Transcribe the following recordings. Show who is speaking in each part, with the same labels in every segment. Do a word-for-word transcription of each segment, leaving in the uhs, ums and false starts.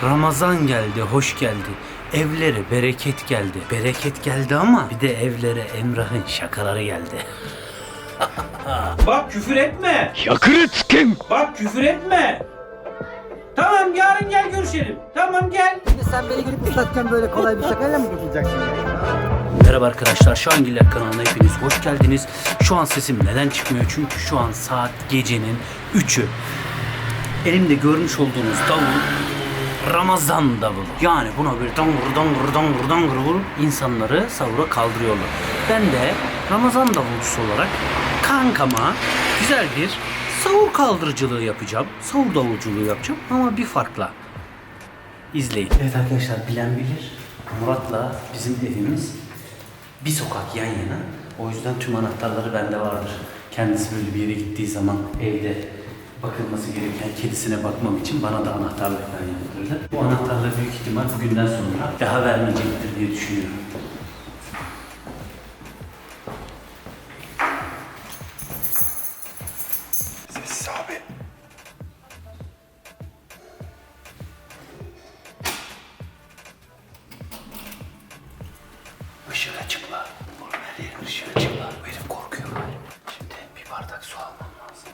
Speaker 1: Ramazan geldi, hoş geldi. Evlere bereket geldi. Bereket geldi ama bir de evlere Emrah'ın şakaları geldi. Bak küfür etme.
Speaker 2: Yakını kim?
Speaker 1: Bak küfür etme. Tamam yarın gel görüşelim. Tamam gel.
Speaker 3: Şimdi sen beni gelip ıslatken böyle kolay bir şakayla mı kurtulacaksın?
Speaker 1: Merhaba arkadaşlar, Şahangiller kanalına hepiniz hoş geldiniz. Şu an sesim neden çıkmıyor? Çünkü şu an saat gecenin üçü. Elimde görmüş olduğunuz davul Ramazan davulu. Yani buna böyle dangır dangır dangır dangır vurup insanları sahura kaldırıyorlar. Ben de Ramazan davulcusu olarak kankama güzel bir sahur kaldırıcılığı yapacağım. Sahur davulculuğu yapacağım ama bir farkla. İzleyin. Evet arkadaşlar, bilen bilir. Murat'la bizim evimiz bir sokak yan yana. O yüzden tüm anahtarları bende vardır. Kendisi böyle bir yere gittiği zaman evde bakılması gereken kedisine bakmam için bana da anahtarlık yaptırdı. Bu anahtarları büyük ihtimal bugünden sonra daha vermeyecektir diye düşünüyorum.
Speaker 2: Sessiz abi.
Speaker 1: Işığı açık la. Oğlum her yerin ışığı açık la. Bu herif korkuyor galiba. Şimdi bir bardak su almam lazım.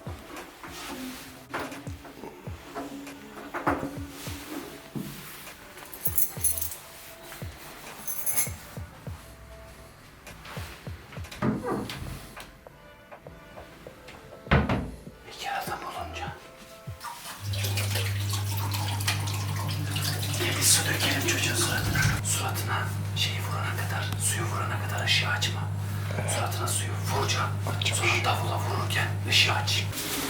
Speaker 1: Bekar adam olunca bir su dökelim çocuğun suratına. Suratına şeyi vurana kadar, suyu vurana kadar ışığı açma. Suratına suyu vuracağım. Sonra davula vururken ışığı aç.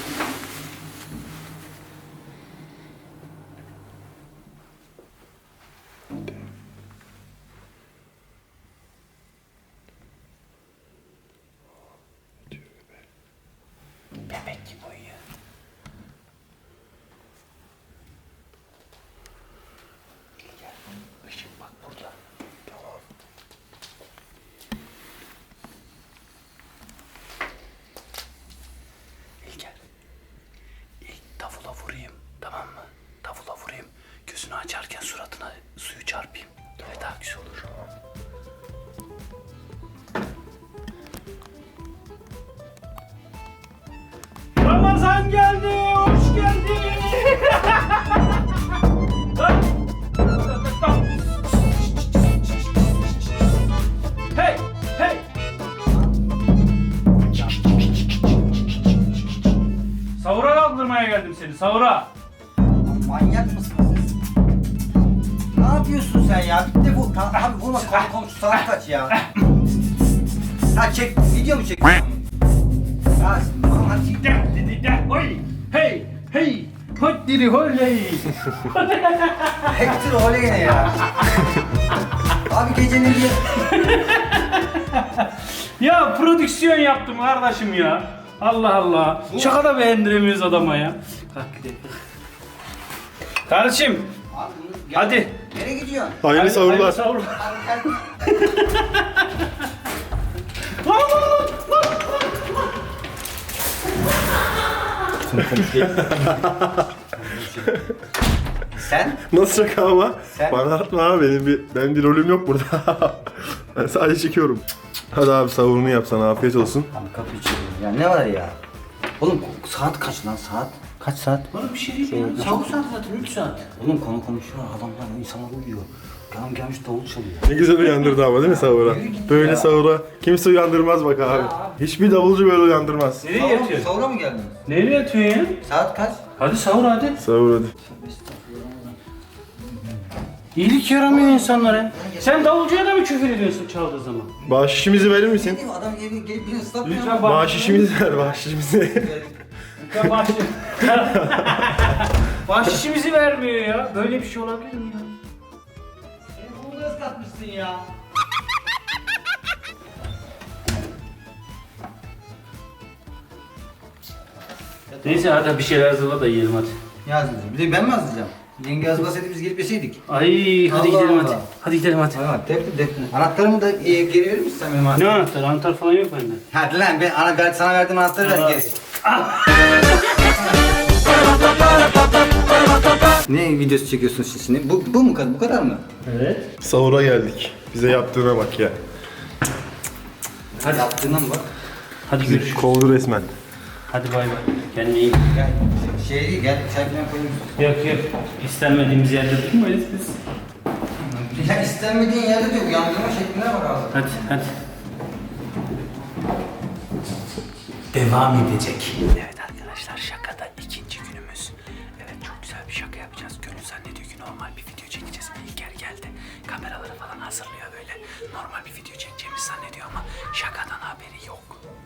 Speaker 1: Bebek gibi uyuyor. Gel, ışık bak burada. Tamam. İlker, ilk davula vurayım, tamam mı? Davula vurayım, gözünü açarken suratına suyu çarpayım. Öyle daha güzel olur. Ramazan geldi, hoş geldin. Hey, hey. Sahura kaldırmaya geldim seni, sahura.
Speaker 3: Manyak mısınız siz? Ne yapıyorsun sen ya? Bir de bu... Ta, abi vurma konu komşu saat kaç ya? Ha çek, video mu çekiyorsun? Ya hadi.
Speaker 1: De, de, de, de, oy, hey, hey, hoddiri holley.
Speaker 3: Hector oley ne ya? Abi gecenin bir...
Speaker 1: Ya prodüksiyon yaptım kardeşim ya. Allah Allah. Şaka da beğendiremiyoruz adama ya. Kalk gidelim. Kardeşim.
Speaker 3: Abi bunu... Gel.
Speaker 1: Hadi.
Speaker 3: Nereye gidiyorsun?
Speaker 2: Hayırlı sahurlar.
Speaker 1: Hayırlı sahurlar.
Speaker 3: Abi gel. Sen?
Speaker 2: Nasıl şaka ama?
Speaker 3: Sen-
Speaker 2: Bana atma abi, benim bir, benim bir rolüm yok burada. Ben sadece çekiyorum. Hadi abi sahurunu yap, sana afiyet olsun.
Speaker 3: Abi kapı içeriyorum ya, ne var ya? Oğlum saat kaç lan saat? Kaç saat?
Speaker 1: Bana bir şey değil ya. Sahur saati zaten üç saat.
Speaker 3: Oğlum konu konuşuyor, adamlar, insanlar uyuyor. Adam gelmiş davul çalıyor.
Speaker 2: Ne güzel uyandırdı ama değil mi sahura?
Speaker 3: Yürü git
Speaker 2: Böyle
Speaker 3: ya.
Speaker 2: sahura kimse uyandırmaz bak abi. Hiçbir davulcu böyle uyandırmaz.
Speaker 1: Nereye
Speaker 3: Sahura,
Speaker 1: yatıyorsun?
Speaker 3: sahura mı geldin?
Speaker 1: Nereye yatıyorsun ya?
Speaker 3: Saat kaç?
Speaker 1: Hadi sahur hadi.
Speaker 2: Sahur hadi.
Speaker 1: İyilik yaramıyor insanlara. Sen davulcuya da mı küfür ediyorsun çaldığı zaman?
Speaker 2: Bahşişimizi verir
Speaker 3: Ne
Speaker 2: misin?
Speaker 3: diyeyim, adam evi gelip beni ıslatmıyor
Speaker 1: Lütfen
Speaker 3: mu?
Speaker 1: bak.
Speaker 2: Bahşişimizi ver, bahşişimizi.
Speaker 1: Lütfen bahşiş. Bahşişimizi vermiyor ya. Böyle bir şey olabilir mi ya?
Speaker 3: Beni bunu ıslatmışsın ya.
Speaker 1: Neyse hadi bir şeyler hazırla da yiyelim hadi.
Speaker 3: Ne yazacağım? Bir de ben mi yazacağım? Yenge yazmasaydı biz gelip yeseydik.
Speaker 1: Ay hadi
Speaker 3: Allah
Speaker 1: gidelim
Speaker 3: Allah.
Speaker 1: hadi. Hadi gidelim hadi.
Speaker 3: Tamam, defne defne. Anahtarımı da e, geri verir misin sen benim
Speaker 1: Ne
Speaker 3: anahtarımı?
Speaker 1: anahtar? Anahtar falan yok bende.
Speaker 3: Hadi lan ben, ana, ben sana verdiğim anahtarı ver
Speaker 1: Aa.
Speaker 3: geri. Ne videosu çekiyorsunuz siz şimdi? Bu, bu mu kadar? Bu kadar mı?
Speaker 1: Evet.
Speaker 2: Sahura geldik. Bize yaptığına bak ya.
Speaker 3: Hadi yaptığına mı bak?
Speaker 1: Hadi görüşürüz.
Speaker 2: Kovdu resmen.
Speaker 1: Hadi bay bay. Kendine iyi.
Speaker 3: Gel. Şey gel. Çay falan koyayım.
Speaker 1: Yok yok. İstenmediğimiz yerde durmayız biz.
Speaker 3: Ya istenmediğin yerde diyor. Uyandırma şekline bak abi.
Speaker 1: Hadi hadi. Devam edecek. Evet arkadaşlar, şakada ikinci günümüz. Evet, çok güzel bir şaka yapacağız. Gönül zannediyor ki normal bir video çekeceğiz. İlker geldi. Kameraları falan hazırlıyor böyle. Normal bir video çekeceğimizi zannediyor ama şakadan haberi yok.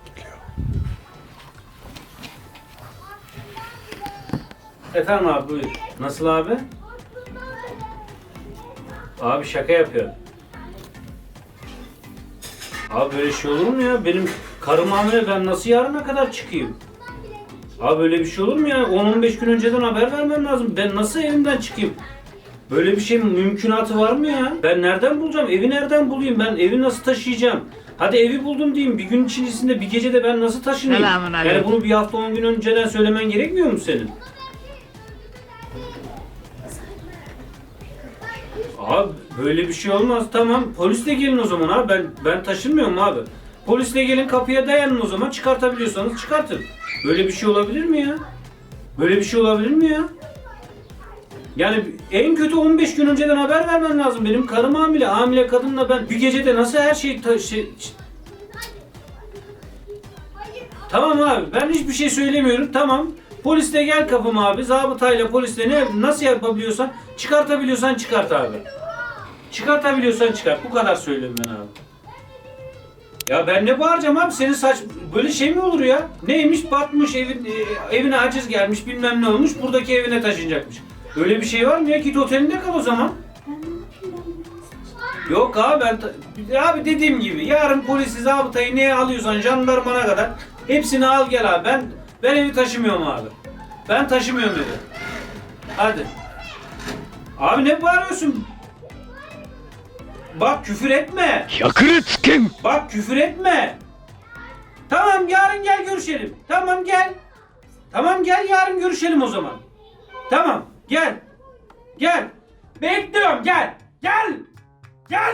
Speaker 1: Efendim abi, buyur. Nasıl abi? Abi şaka yapıyor. Abi böyle şey olur mu ya? Benim karım hamile, ben nasıl yarına kadar çıkayım? Abi böyle bir şey olur mu ya? on on beş gün önceden haber vermem lazım. Ben nasıl evimden çıkayım? Böyle bir şey mümkünatı var mı ya? Ben nereden bulacağım? Evi nereden bulayım? Ben evi nasıl taşıyacağım? Hadi evi buldum diyeyim. Bir gün içerisinde, bir gecede ben nasıl taşınayım? Yani bunu bir hafta on gün önceden söylemen gerekmiyor mu senin? Abi böyle bir şey olmaz. Tamam, polisle gelin o zaman abi. Ben ben taşınmıyorum abi. Polisle gelin, kapıya dayanın o zaman. Çıkartabiliyorsanız çıkartın. Böyle bir şey olabilir mi ya? Böyle bir şey olabilir mi ya? Yani en kötü on beş gün önceden haber vermen lazım. Benim karım hamile. Hamile kadınla ben bir gecede nasıl her şeyi ta- şey... Tamam abi, ben hiçbir şey söylemiyorum. Tamam. Polisle gel kapıma abi. Zabıtayla, polisle ne nasıl yapabiliyorsan, çıkartabiliyorsan çıkart abi. Çıkartabiliyorsan çıkart. Bu kadar söylüyorum ben abi. Ya ben ne bağıracağım abi? Senin saç böyle şey mi olur ya? Neymiş, batmış evin e, evine haciz gelmiş, bilmem ne olmuş, buradaki evine taşınacakmış. Öyle bir şey var mı ya? Git otelinde kal o zaman. Yok abi, ben ta- abi dediğim gibi yarın polisi, zabıtayı neye alıyorsan, jandarmana kadar hepsini al gel abi. Ben ben evi taşımıyorum abi. Ben taşımıyorum dedi. Hadi. Abi ne bağırıyorsun? Bak küfür etme.
Speaker 4: Yakırıtskim.
Speaker 1: Bak küfür etme. Tamam, yarın gel görüşelim. Tamam gel. Tamam gel, yarın görüşelim o zaman. Tamam gel. Gel. Bekliyorum, gel. Gel. Gel.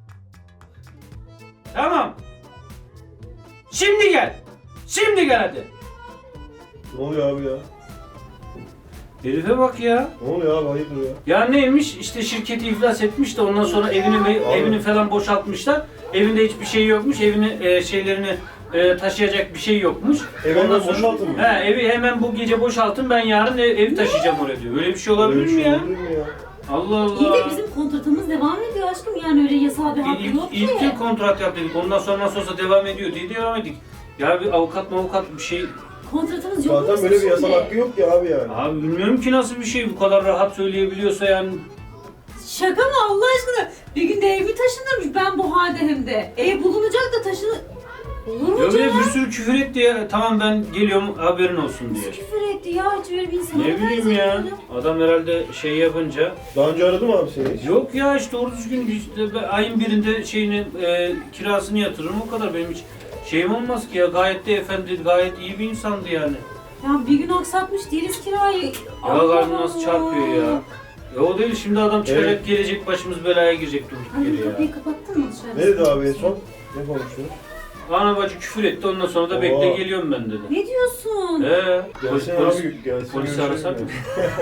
Speaker 1: Tamam. Şimdi gel. Şimdi gel hadi.
Speaker 2: Ne oluyor abi ya?
Speaker 1: Herife bak ya.
Speaker 2: Ne oluyor abi, hayırdır ya?
Speaker 1: Ya neymiş, işte şirketi iflas etmiş de ondan sonra evini ve- evini falan boşaltmışlar. Evinde hiçbir şey yokmuş. Evini e, şeylerini e, taşıyacak bir şey yokmuş.
Speaker 2: Evi
Speaker 1: Ondan
Speaker 2: hemen boşaltın mı?
Speaker 1: He, evi hemen bu gece boşaltın, ben yarın ev, evi taşıyacağım oraya diyor. Öyle bir şey olabilir
Speaker 2: Öyle bir
Speaker 1: mi
Speaker 2: şey
Speaker 1: ya?
Speaker 2: olabilir mi ya?
Speaker 1: Allah Allah.
Speaker 5: İyi de bizim kontratımız devam ediyor aşkım, yani öyle yasal bir hakkı
Speaker 1: İlk,
Speaker 5: yok
Speaker 1: ilk,
Speaker 5: ki.
Speaker 1: ilk kontrat yap dedik. Ondan sonra nasıl olsa devam ediyor diye devam ettik. Ya bir avukat mı avukat bir şey.
Speaker 5: Kontratımız yok.
Speaker 2: Zaten böyle bir yasal hakkı yok ki abi yani.
Speaker 1: Abi bilmiyorum ki nasıl bir şey bu kadar rahat söyleyebiliyorsa yani.
Speaker 5: Şaka mı Allah aşkına? Bir günde evi taşınırmış, ben bu halde hem de. Ev bulunacak da taşınır. Olur mu
Speaker 1: Ya bir de
Speaker 5: canım?
Speaker 1: bir sürü küfür etti ya. Tamam ben geliyorum, haberin olsun diye.
Speaker 5: Nasıl küfür etti ya, hiç öyle bir insan
Speaker 1: Ne bileyim ya. Adam herhalde şey yapınca.
Speaker 2: Daha önce aradı mı abi seni hiç?
Speaker 1: Yok ya, işte doğru düzgün işte ben ayın birinde şeyini e, kirasını yatırırım, o kadar. Benim hiç şeyim olmaz ki ya. Gayet de efendi, gayet iyi bir insandı yani.
Speaker 5: Ya bir gün aksatmış değiliz kirayı.
Speaker 1: Ya
Speaker 5: Allah
Speaker 1: kalbim nasıl
Speaker 5: Allah.
Speaker 1: çarpıyor ya. Ya o değil, şimdi adam çıkacak,
Speaker 2: Evet.
Speaker 1: gelecek, başımız belaya girecek durduk
Speaker 5: Ay,
Speaker 1: yere ya.
Speaker 5: kapıyı kapattın mı dışarı?
Speaker 2: Ne dedi abi en son? Ne konuştunuz?
Speaker 1: Ana bacı küfür etti, ondan sonra da
Speaker 2: Oo.
Speaker 1: bekle geliyorum ben dedi.
Speaker 5: Ne diyorsun?
Speaker 1: Ee, polis,
Speaker 2: Gelsin
Speaker 1: polis,
Speaker 2: abi, gelsin.
Speaker 1: polisi
Speaker 2: görüşelim
Speaker 1: arasak
Speaker 2: ya.
Speaker 1: mı?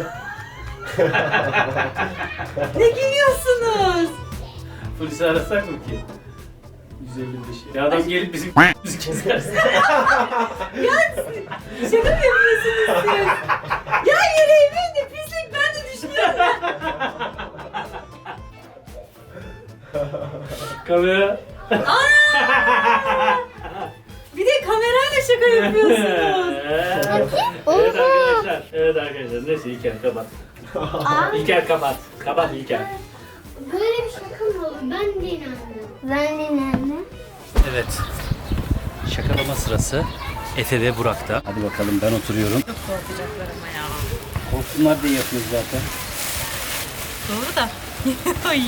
Speaker 5: Ne gülüyorsunuz?
Speaker 1: Polisi arasak mı ki? yüz elli beş. Ya adam gelip bizim bizi keserse.
Speaker 5: Şaka mı yapıyorsunuz siz? Ya yüreğimin de pislik, ben de düşünüyorum.
Speaker 1: Kamera.
Speaker 5: Bir de kamerayla şaka yapıyorsunuz.
Speaker 1: Evet arkadaşlar. Evet arkadaşlar. Neyse İlker kapat. İlker kapat. Kapat İlker.
Speaker 6: Böyle bir şaka mı olur? Ben de inandım. Ben de inandım.
Speaker 1: Evet. Şakalama sırası Efe ve Burak'ta. Hadi bakalım, ben oturuyorum.
Speaker 5: Çok korkacaklar ama ya.
Speaker 1: Korksunlar diye yapıyoruz zaten.
Speaker 5: Doğru da. Ay.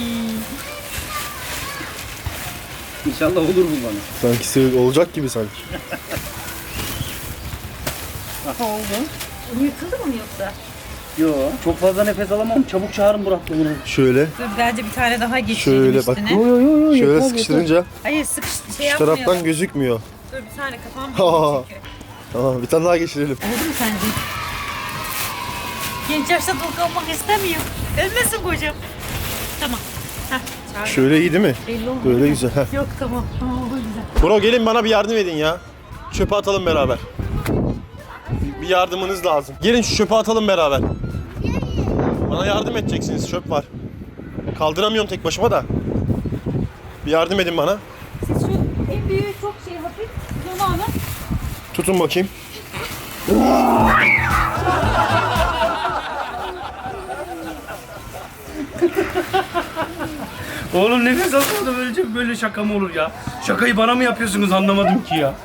Speaker 1: İnşallah olur bu bana.
Speaker 2: Sanki sev- olacak gibi sanki.
Speaker 1: Aha oldu.
Speaker 5: Yırtıldı mı yoksa?
Speaker 1: Yo. Çok fazla nefes alamam. Çabuk çağırın Burak bunu.
Speaker 2: Şöyle.
Speaker 5: Dur bence bir tane daha geçirelim
Speaker 2: Şöyle
Speaker 5: üstüne.
Speaker 2: bak.
Speaker 1: Yo yo yo yo.
Speaker 2: Şöyle
Speaker 1: yeter,
Speaker 2: sıkıştırınca
Speaker 5: Hayır sıkış şey
Speaker 2: şu
Speaker 5: yapmayalım.
Speaker 2: taraftan gözükmüyor.
Speaker 5: Dur bir tane kafam
Speaker 2: Aa.
Speaker 5: büyüdü çünkü.
Speaker 2: Tamam bir tane daha geçirelim.
Speaker 5: Oldu mu sence? Genç yaşta dul kalmak istemiyorum. Ölmesin kocam. Tamam. Heh, çağır.
Speaker 2: Şöyle iyi değil mi?
Speaker 5: Belli olmuyor.
Speaker 2: Böyle güzel. Heh.
Speaker 5: Yok tamam. Tamam oldu güzel.
Speaker 2: Bro gelin bana bir yardım edin ya. Çöpe atalım beraber. Bir yardımınız lazım. Gelin şu çöpe atalım beraber. Bana yardım edeceksiniz. Çöp var. Kaldıramıyorum tek başıma da. Bir yardım edin bana.
Speaker 5: Siz şu en büyüğü çok şey hafif. Siz onu alın.
Speaker 2: Tutun bakayım.
Speaker 1: Oğlum nefes alsana böyle, böyle şaka mı olur ya? Şakayı bana mı yapıyorsunuz anlamadım ki ya.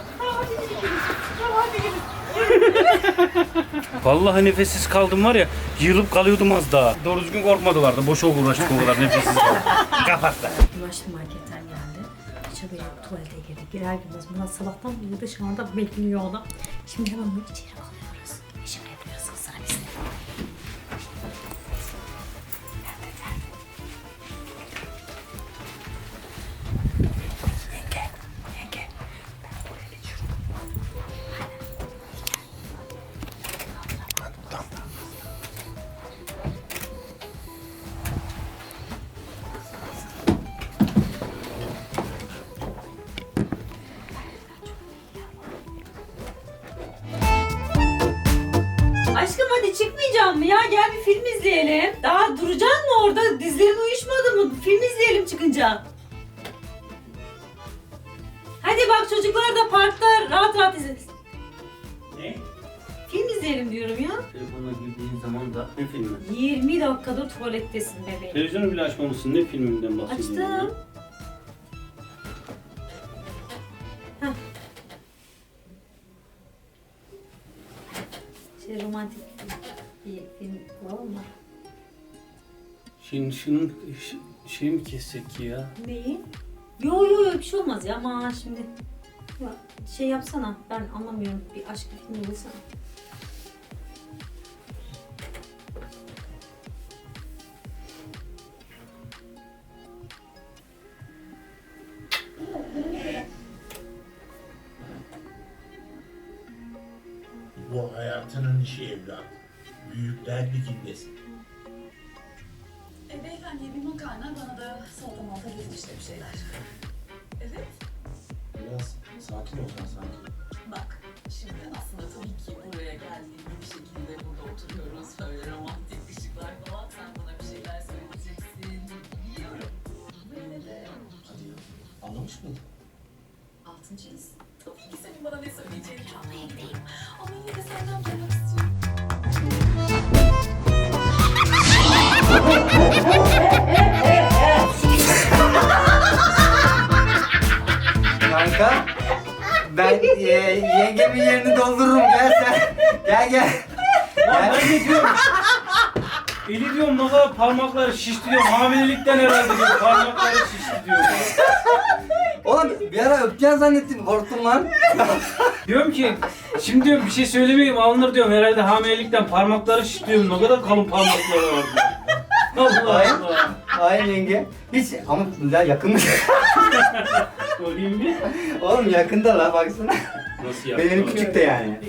Speaker 1: Vallahi nefessiz kaldım var ya, yığılıp kalıyordum az daha. Doğru düzgün korkmadılar da boşa uğraştık o kadar nefessiz kaldım. Kapat da.
Speaker 5: Ulaştı marketten geldi. İçeri böyle tuvalete girdi. Girer girmez Murat sabahtan beri dışarıda bekliyor ona. Şimdi hemen bunu içeri alıyoruz. İşimi yapıyoruz kızlar biz de. Yenge, yenge. Ben buraya geçiyorum. Aşkım hadi çıkmayacağım mı ya? Gel bir film izleyelim. Daha duracaksın mı orada? Dizlerin uyuşmadı mı? Film izleyelim çıkınca. Hadi bak çocuklar da parkta rahat rahat izlesin.
Speaker 1: Ne?
Speaker 5: Film izleyelim diyorum ya.
Speaker 1: Telefona girdiğin zaman da ne filmi?
Speaker 5: yirmi dakikadır tuvalettesin bebeğim.
Speaker 1: Televizyonu bile açmamışsın, ne filminden bahsediyorsun?
Speaker 5: Açtım. Heh. Şey romantik bir film var mı?
Speaker 1: Şimdi şunun ş- şey mi kessek ki ya?
Speaker 5: Neyi? Yo yo yo bir şey olmaz ya ama şimdi ya, şey yapsana ben anlamıyorum bir aşk filmi bulsana.
Speaker 4: Bu hayatının işi evlat. Büyükler ligindesin.
Speaker 7: E beyefendiye bir makarna, bana da salata malta getir işte bir şeyler. Evet.
Speaker 4: Biraz sakin ol sen sakin.
Speaker 7: Bak, şimdi aslında tabii ki buraya geldiğinde bir şekilde burada oturuyoruz. Böyle romantik ışıklar falan. Sen bana bir şeyler söyleyeceksin. Biliyorum. Ama yine de
Speaker 4: Hadi ya. Anlamış mıydın?
Speaker 7: altıncıyız. Tabii ki senin bana ne söyleyeceğini çok neyim. Ama yine de senden duymak istiyorum.
Speaker 3: Kanka ben e, yengemin yerini doldururum gel sen. Gel gel.
Speaker 1: Lan ben ne diyorum? Eli diyorum ne kadar parmakları şişti diyorum. Hamilelikten herhalde diyorum. Parmakları şişti diyorum.
Speaker 3: Oğlum bir ara öpeceğim zannettim korktum lan.
Speaker 1: Diyorum ki şimdi diyorum bir şey söylemeyeyim alınır diyorum. Herhalde hamilelikten parmakları şişti diyorum. Ne kadar kalın parmakları var diyorum. Allah
Speaker 3: Hayır.
Speaker 1: Allah.
Speaker 3: Hayır yenge. Hiç ama ya yakın mı?
Speaker 1: Sorayım bir.
Speaker 3: Oğlum yakında la baksana.
Speaker 1: Nasıl yaptın?
Speaker 3: Benim küçük de yani.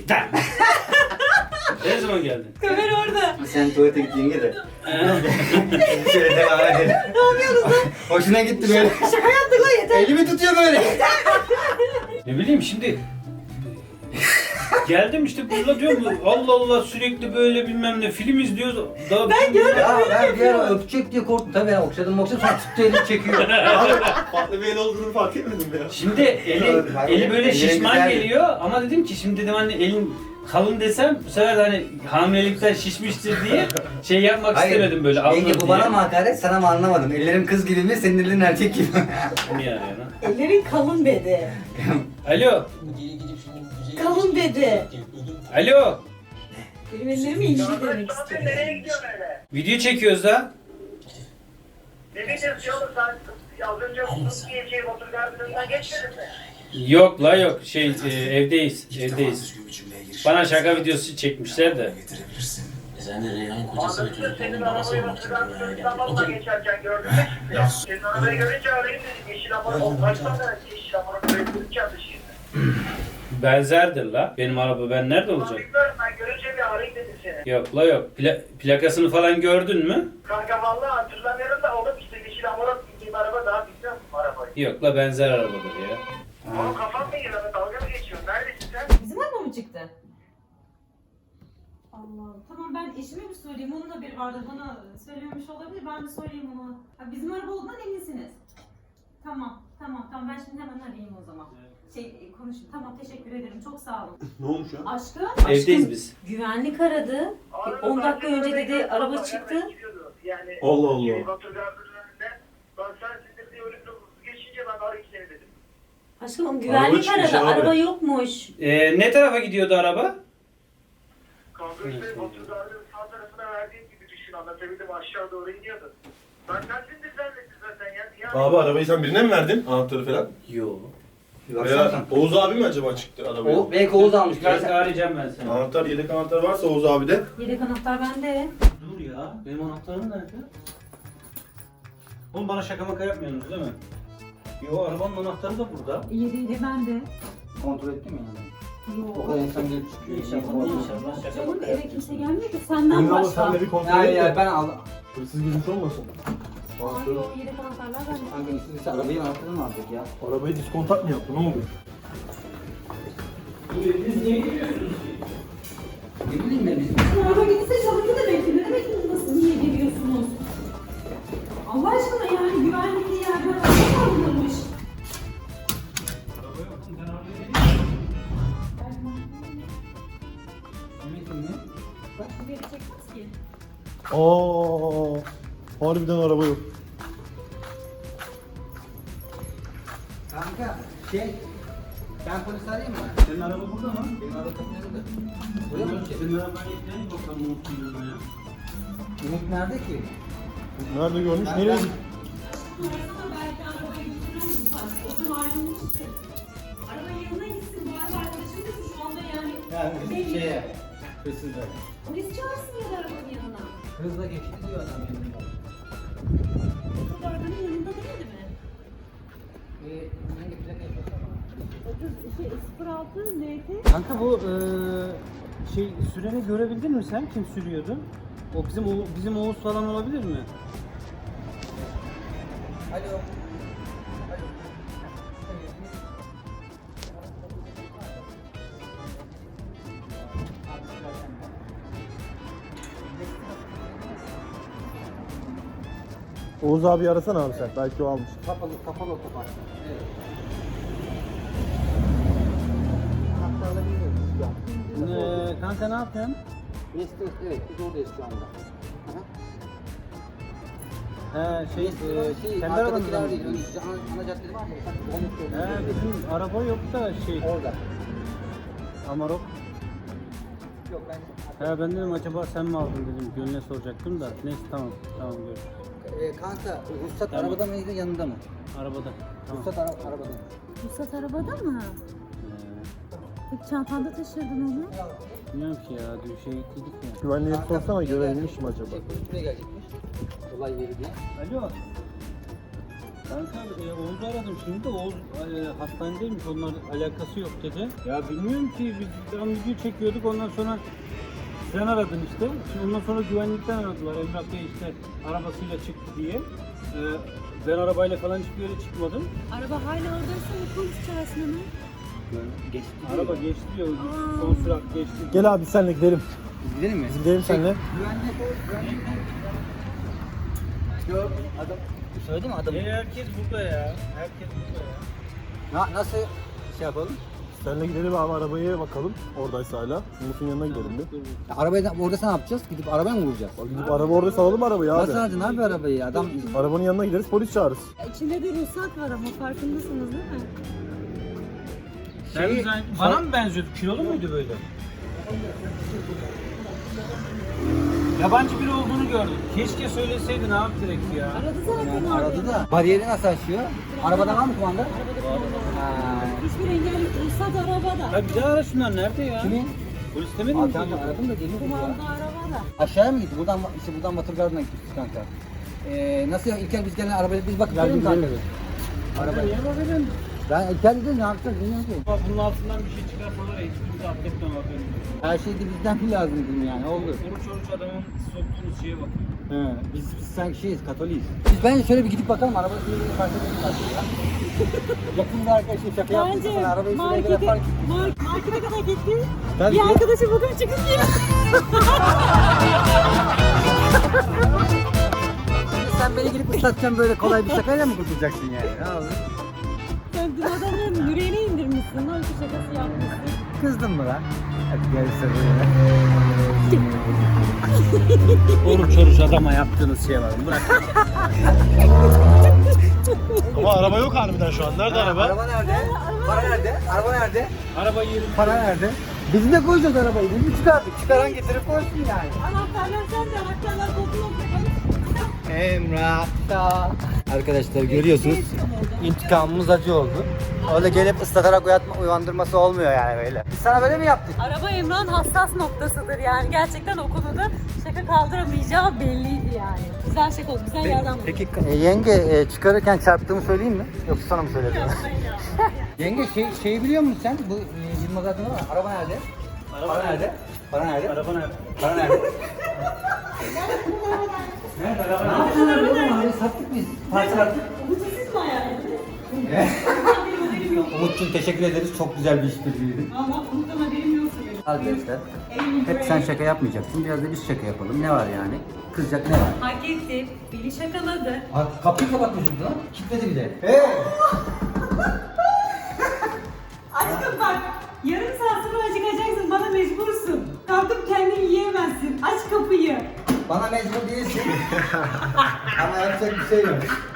Speaker 1: Ne zaman geldin?
Speaker 5: Kamera orada.
Speaker 3: Sen tuvalete git yenge de.
Speaker 1: Ee,
Speaker 3: Şöyle devam edelim.
Speaker 5: Ne yapıyoruz lan?
Speaker 3: Hoşuna gitti böyle.
Speaker 5: Şaka yaptık lan yeter.
Speaker 3: Elimi tutuyor böyle.
Speaker 1: ne bileyim şimdi geldim işte burada diyorum Allah Allah sürekli böyle bilmem ne film izliyoruz. Daha ben
Speaker 3: Ya ben bir ara öpecek diye korktum. Tabii ben okşadım okşadım sonra tuttu elini çekiyor.
Speaker 2: Farklı bir el olduğunu fark etmedim ya.
Speaker 1: Şimdi eli, eli böyle
Speaker 3: Ellerin
Speaker 1: şişman
Speaker 3: güzel.
Speaker 1: geliyor ama dedim ki şimdi dedim hani elin kalın desem bu sefer de hani hamilelikten şişmiştir diye şey yapmak istemedim böyle alınır
Speaker 3: Yenge bu
Speaker 1: diye.
Speaker 3: bana mı hakaret sana mı anlamadım. Ellerim kız gibi mi senin ellerin erkek gibi mi?
Speaker 1: Niye arıyor lan?
Speaker 5: Ellerin kalın dedi.
Speaker 1: Alo.
Speaker 5: Kalın dedi.
Speaker 1: Alo.
Speaker 5: Benim ellerimi ince demek istiyor.
Speaker 1: Video çekiyoruz da.
Speaker 8: Ne diyeceğiz oğlum sen az önce sus diyeceğim otur gardırından geçmedin mi?
Speaker 1: Yok la yok şey e, evdeyiz evdeyiz. Bana şaka videosu çekmişler de.
Speaker 4: Sen de Reyhan'ın kocası ve
Speaker 8: Anladın mı? Senin
Speaker 4: çocuklarının babası
Speaker 8: arabayı
Speaker 4: olmak için
Speaker 8: oturan
Speaker 4: dünyaya
Speaker 8: sınıftan
Speaker 4: geldin.
Speaker 8: valla
Speaker 4: Okey.
Speaker 8: geçerken gördün mü şimdi?
Speaker 4: Ya.
Speaker 8: Senin arabayı görünce arayayım dedim. Yeşil amına o kaçtan da yeşil amına koyduğunu çaldı şimdi.
Speaker 1: Benzerdir la. Benim araba ben nerede
Speaker 8: Ulan
Speaker 1: olacak?
Speaker 8: bilmiyorum ben görünce bir arayayım dedim seni.
Speaker 1: Yok la yok. Pla- plakasını falan gördün mü?
Speaker 8: Kanka valla hatırlamıyorum da oğlum işte yeşil amına bindiğim araba daha bilmiyor musun arabayı?
Speaker 1: Yok la benzer arabadır ya.
Speaker 8: Oğlum kafam mı yiyor? Dalga mı geçiyorsun? Neredesin sen?
Speaker 5: Bizim araba mı çıktı? Allah. Tamam ben eşime mi söyleyeyim? Onun da bir vardı. Bana söylememiş olabilir. Ben de söyleyeyim ona. Ha, bizim araba olduğundan eminsiniz. Tamam. Tamam. Tamam. Ben şimdi hemen arayayım o zaman. Şey konuşayım. Tamam. Teşekkür ederim. Çok sağ olun.
Speaker 2: Ne olmuş ya?
Speaker 5: Aşkım.
Speaker 1: Evdeyiz
Speaker 5: aşkım,
Speaker 1: biz.
Speaker 5: Güvenlik aradı. on dakika önce dedi araba çıktı.
Speaker 8: Yani
Speaker 2: Allah Allah.
Speaker 8: Şey, Batur Gardı'nın önünde. Ben sensindir diye ölümle geçince ben arayayım seni dedim.
Speaker 5: Aşkım güvenlik
Speaker 2: çıkmış
Speaker 5: aradı.
Speaker 2: abi.
Speaker 5: Araba yokmuş.
Speaker 1: Ee, ne tarafa gidiyordu araba?
Speaker 8: Kanka işte Batur Gardı'nın sağ tarafına verdiğim gibi düşün, anlatabildim, aşağı doğru iniyordu. Ben sensindir zannettim zaten ya. ya.
Speaker 2: Abi arabayı sen birine mi verdin? Anahtarı falan.
Speaker 1: Yo.
Speaker 2: Veya Oğuz abi mi acaba çıktı arabayı?
Speaker 3: O, belki Oğuz almış.
Speaker 1: Biraz arayacağım ben seni.
Speaker 2: Anahtar, yedek anahtar varsa Oğuz abi de.
Speaker 5: Yedek anahtar bende.
Speaker 1: Dur ya. Benim anahtarım nerede? Oğlum bana şaka maka yapmıyorsunuz değil mi? Yo arabanın anahtarı da burada.
Speaker 5: Yedeği bende.
Speaker 3: Kontrol ettin mi yani? O
Speaker 5: Yok.
Speaker 3: kadar insan gelip çıkıyor.
Speaker 1: İnşallah, inşallah şaka
Speaker 5: Canım
Speaker 1: maka
Speaker 5: eve
Speaker 1: yapmıyorsunuz.
Speaker 5: kimse gelmiyor ki senden
Speaker 2: Ünlü abla
Speaker 5: başka.
Speaker 2: sen de bir kontrol
Speaker 3: Ya
Speaker 2: et
Speaker 3: ya
Speaker 2: de.
Speaker 3: ben aldım.
Speaker 2: Hırsız girmiş olmasın?
Speaker 5: Ay yok yedek anahtarlar bende.
Speaker 3: Kanka istediyse arabayı anahtarını mı aldık ya?
Speaker 2: Arabayı diskontak mı yaptı? Ne oldu?
Speaker 1: Biz niye giriyorsunuz ki?
Speaker 3: Ne bileyim ben biz.
Speaker 5: Bu araba gitse çalındı demek ki. Ne demek ki nasıl niye geliyorsunuz? Allah aşkına yani güvenlikli yerden araba alınırmış.
Speaker 1: Araba yok. Ben arabaya geleyim.
Speaker 5: Bak bu yeri çekmez ki.
Speaker 2: Aa, harbiden araba yok.
Speaker 3: Kanka şey. Ben polis arayayım mı?
Speaker 1: Senin araba burada mı?
Speaker 3: Benim araba kapılarında. Buraya mı gideceğiz?
Speaker 1: Senin arabayı ekleyin bakalım unuttum ya.
Speaker 3: Umut nerede ki?
Speaker 2: Nerede görmüş?
Speaker 3: Ben-
Speaker 2: Nereye
Speaker 3: ben-
Speaker 2: gitti?
Speaker 5: Sonrasında belki arabayı götürürüz. O da ayrılmıştı. Arabanın yanına gitsin. Bu araba arkadaşım da şu anda yani.
Speaker 3: Yani şeye. Hırsızlar.
Speaker 5: Polis çağırsın ya da arabanın yanına.
Speaker 3: Hızla geçti diyor adam yanında.
Speaker 5: O da arabanın yanında değildi mi?
Speaker 3: Ee, hangi plaka yapıyorsun?
Speaker 5: Şey, sıfır altı N T.
Speaker 1: Kanka bu eee, şey süreni görebildin mi sen? Kim sürüyordu? O bizim o bizim Oğuz falan olabilir mi?
Speaker 3: Alo.
Speaker 2: Oğuz abi arasana abi sen. Belki o almış.
Speaker 3: Kapalı, kapalı otopark. Evet. Anahtarla bilmiyoruz ya.
Speaker 1: Ee, kanka ne yapıyorsun?
Speaker 3: Neyse, evet biz oradayız şu anda. Aha.
Speaker 1: He şey,
Speaker 3: Neyse,
Speaker 1: e,
Speaker 3: şey,
Speaker 1: kendi arabanızda
Speaker 3: arkadakiler
Speaker 1: mı?
Speaker 3: değil. Önce ana, ana caddede var ya. sanki onu
Speaker 1: He
Speaker 3: söylüyor.
Speaker 1: bizim araba yok da şey,
Speaker 3: Orada.
Speaker 1: Amarok.
Speaker 3: Yok ben...
Speaker 1: He ben dedim acaba sen mi aldın dedim. Gönlüne soracaktım da. Neyse tamam, tamam görüşürüz.
Speaker 3: Ee, kanka, ruhsat
Speaker 1: Tamam.
Speaker 3: arabada mıydı, yanında mı?
Speaker 1: Arabada. Tamam.
Speaker 3: Ruhsat ara arabada.
Speaker 5: Ruhsat arabada mı?
Speaker 1: Ee,
Speaker 5: Peki çantanda taşırdın onu?
Speaker 1: bilmiyorum ki ya, dün şey gittik ya.
Speaker 2: Güvenliğe sorsana görebilmiş mi acaba?
Speaker 3: Şey, polis buraya gelecekmiş. Olay yeri diye.
Speaker 1: Alo. Kanka e, Oğuz'u aradım şimdi de Oğuz e, hastanedeymiş, onlar alakası yok dedi. Ya bilmiyorum ki biz tam video çekiyorduk, ondan sonra sen aradın işte. Şimdi ondan sonra güvenlikten aradılar. Emrah Bey işte arabasıyla çıktı diye. E, ben arabayla falan hiçbir yere çıkmadım.
Speaker 5: Araba hala oradaysa mı polis çağırsın hemen?
Speaker 3: Geçti.
Speaker 1: Araba geçti diyor, son sürat geçti.
Speaker 2: Gel abi senle gidelim.
Speaker 3: Gidelim mi?
Speaker 2: Biz gidelim seninle.
Speaker 3: Güvenlik o, güvenlik o. Yok, adam... Söyledim mi adam?
Speaker 1: E, herkes burada ya. Herkes burada ya.
Speaker 3: Na, nasıl şey yapalım?
Speaker 2: Seninle gidelim abi arabaya bakalım. Oradaysa hala. Umut'un yanına gidelim bir.
Speaker 3: Ya, arabayı da, orada ne yapacağız? Gidip arabaya mı vuracağız?
Speaker 2: Gidip araba orada salalım arabayı abi.
Speaker 3: Nasıl alacaksın abi arabayı? Adam...
Speaker 2: Arabanın yanına gideriz polis çağırırız.
Speaker 5: İçinde de ruhsat var ama farkındasınız değil mi?
Speaker 1: Sen
Speaker 3: Şeyi-
Speaker 1: sen- bana mı benziyordu? Kilolu muydu böyle? Yabancı biri olduğunu gördüm. Keşke söyleseydin abi direkt ya.
Speaker 5: Aradı zaten
Speaker 3: Yani
Speaker 5: abi.
Speaker 3: aradı da. Bariyeri nasıl açıyor? Arabada var mı kumanda? Ha.
Speaker 5: Hiçbir engel yok. Ruhsat arabada.
Speaker 1: Ya bir daha ara şunlar nerede ya?
Speaker 3: Kimin?
Speaker 1: Polis demedin
Speaker 3: Abi
Speaker 1: mi?
Speaker 3: kanka aradım da geliyor ya.
Speaker 5: Kumanda arabada. aşağıda.
Speaker 3: Aşağıya mı gitti? Buradan işte buradan Batırgar'dan gittik kanka. Ee, nasıl ya? İlker biz gelen arabayla biz bakıp gelelim kanka. Araba niye bakıyorsun? Ben İlker dedim ne yapacağız bilmiyorum ki.
Speaker 1: Bunun altından bir şey çıkarsalar hiçbirimizi affetmem haberim.
Speaker 3: Her şey de bizden mi lazım dedim yani oldu.
Speaker 1: Oruç oruç adamın soktuğunuz şeye bakıyor.
Speaker 3: He, biz, biz sanki şeyiz, Katoliyiz. Biz bence şöyle bir gidip bakalım, arabası bir fark edelim ya. Yakında arkadaşlar şaka yaptık sana, arabayı şuraya göre fark ettik.
Speaker 5: Mark, markete kadar gittim.
Speaker 3: Tabii
Speaker 5: Bir
Speaker 3: ki.
Speaker 5: arkadaşı bugün çıkıp diyor.
Speaker 3: Sen beni gidip ıslatacaksın böyle kolay bir şakayla mı kurtulacaksın yani? Ne oldu?
Speaker 5: Sen dün adamın yüreğine indirmişsin. Öyle bir şakası yapmışsın.
Speaker 3: Kızdın mı lan? Hadi gel böyle.
Speaker 1: Oruç oruç adama yaptığınız şeye var. Bırak.
Speaker 2: Ama araba yok harbiden şu an. Nerede araba?
Speaker 3: Araba nerede? Para nerede? Araba nerede?
Speaker 1: Araba yerim.
Speaker 3: Para nerede? Biz de koyacağız arabayı. Biz mi çıkardık? Çıkaran getirip koysun yani.
Speaker 5: Anahtarlar sende. Anahtarlar koltuğuna koyalım.
Speaker 3: Emrah'ta. Arkadaşlar görüyorsunuz. İntikamımız acı oldu. Öyle gelip ıslatarak uyatma, uyandırması olmuyor yani böyle. Biz sana böyle mi yaptık?
Speaker 5: Araba Emrah'ın hassas noktasıdır yani. Gerçekten o konuda şaka kaldıramayacağı belliydi yani. Güzel şaka oldu. Güzel yerden bulduk.
Speaker 3: Peki e, yenge e, çıkarırken çarptığımı söyleyeyim mi? Yoksa sana mı söyledim? Yenge şey, şeyi biliyor musun sen? Bu e, Yılmaz adında var. Araba nerede?
Speaker 1: Araba
Speaker 3: Para nerede? Para nerede?
Speaker 1: Araba nerede?
Speaker 3: Para nerede?
Speaker 1: Nerede araba
Speaker 3: Ne
Speaker 1: nerede?
Speaker 3: yaptın araba? Arabayı sattık biz. Parçalattık.
Speaker 5: Bu siz mi ayarladınız?
Speaker 3: Umut'cum teşekkür ederiz. Çok güzel bir işbirliğiydi.
Speaker 5: Ama bundan haberim yoksa benim.
Speaker 3: Arkadaşlar hep sen şaka yapmayacaksın. Biraz da biz şaka yapalım. Ne var yani? Kızacak ne var?
Speaker 5: Hak etti. Beni şakaladı.
Speaker 3: Ha, kapıyı kapatmışım lan. Kilitledi bir de. Hey!
Speaker 5: Aşkım bak. Yarım saat sonra acıkacaksın. Bana mecbursun. Kalkıp kendini yiyemezsin. Aç kapıyı.
Speaker 3: Bana mecbur değilsin. Ama yapacak bir şey yok.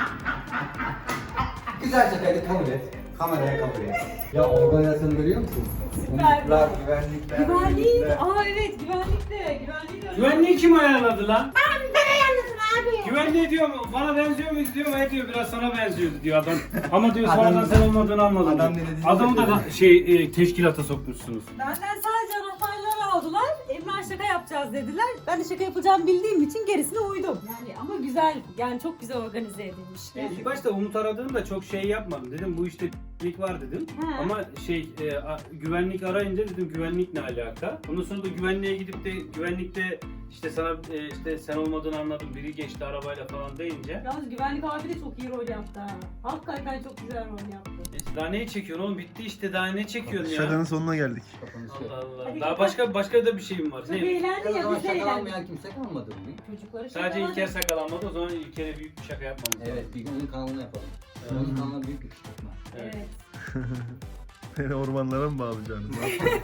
Speaker 3: Güzel şakaydı, kabul et. Kameraya kabul et. Ya organizasyonu görüyor musun?
Speaker 5: Süper.
Speaker 3: Umutlar, güvenlikler.
Speaker 5: Güvenlik.
Speaker 3: birlikte.
Speaker 5: Aa evet güvenlik de. Güvenlik de.
Speaker 1: Güvenliği kim ayarladı lan?
Speaker 6: Ben, ben ayarladım abi.
Speaker 1: Güvenliği diyor mu? Bana benziyor muyuz diyor mu? E diyor biraz sana benziyordu diyor adam. Ama diyor
Speaker 3: Adam-
Speaker 1: sonradan sen olmadığını anladım.
Speaker 3: Adam
Speaker 1: diyor.
Speaker 3: ne dediğini
Speaker 1: Adamı da
Speaker 3: söyledi.
Speaker 1: şey e, teşkilata sokmuşsunuz.
Speaker 5: Benden sadece anahtarları aldılar. Emrah şaka yapacağız dediler. Ben de şaka yapacağımı bildiğim için gerisine uydum. Yani ama güzel. Yani çok güzel organize edilmiş.
Speaker 1: E, İlk başta Umut aradığımda çok şey yapmadım. Dedim bu işte güvenlik var dedim.
Speaker 5: He.
Speaker 1: Ama şey e, a- güvenlik arayınca dedim güvenlik ne alaka? Ondan sonra da güvenliğe gidip de güvenlikte işte sana e, işte sen olmadığını anladım. Biri geçti arabayla falan deyince.
Speaker 5: Yalnız güvenlik abi de çok iyi rol yaptı ha. Hakikaten çok güzel rol yaptı.
Speaker 1: E, daha ne çekiyorsun oğlum? Bitti işte daha ne çekiyorsun ya?
Speaker 2: Şakanın sonuna geldik.
Speaker 1: Allah Allah.
Speaker 5: Hadi
Speaker 1: Daha
Speaker 5: kapat.
Speaker 1: başka başka da bir şeyim var.
Speaker 5: Çok
Speaker 1: Ne?
Speaker 5: eğlendi
Speaker 3: O
Speaker 5: ya
Speaker 3: zaman
Speaker 5: biz de eğlendik.
Speaker 3: şakalanmayan kimse kalmadı mı?
Speaker 5: Çocukları
Speaker 1: Sadece
Speaker 5: şakaladı.
Speaker 1: İlker sakalanmadı. O zaman İlker'e büyük bir şaka yapmamız lazım.
Speaker 3: Evet, bir gün onun kanalını yapalım.
Speaker 1: Evet.
Speaker 3: Onun kanalına büyük bir kışkırtma.
Speaker 1: Evet.
Speaker 5: Evet.
Speaker 2: Beni ormanlara mı bağlayacaksınız?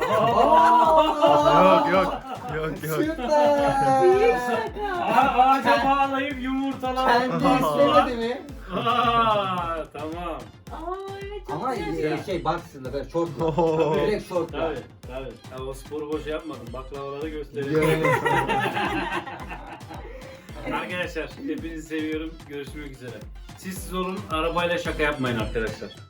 Speaker 1: Aa!
Speaker 2: yok yok. Yok yok.
Speaker 3: Süper!
Speaker 5: Büyük şaka.
Speaker 1: Aa, ağaca bağlayıp yumurtalar.
Speaker 3: Kendi istemedi mi?
Speaker 1: Aa, tamam.
Speaker 5: Aa evet çok
Speaker 3: Ama
Speaker 5: güzel.
Speaker 3: e, şey boxer'la böyle şortla.
Speaker 2: Oo.
Speaker 3: Direkt şortla.
Speaker 1: Tabii, tabii. Ya, o sporu boş yapmadım. Baklavaları göstereyim.
Speaker 3: Görelim.
Speaker 1: Arkadaşlar hepinizi seviyorum. Görüşmek üzere. Siz siz olun. Arabayla şaka yapmayın arkadaşlar.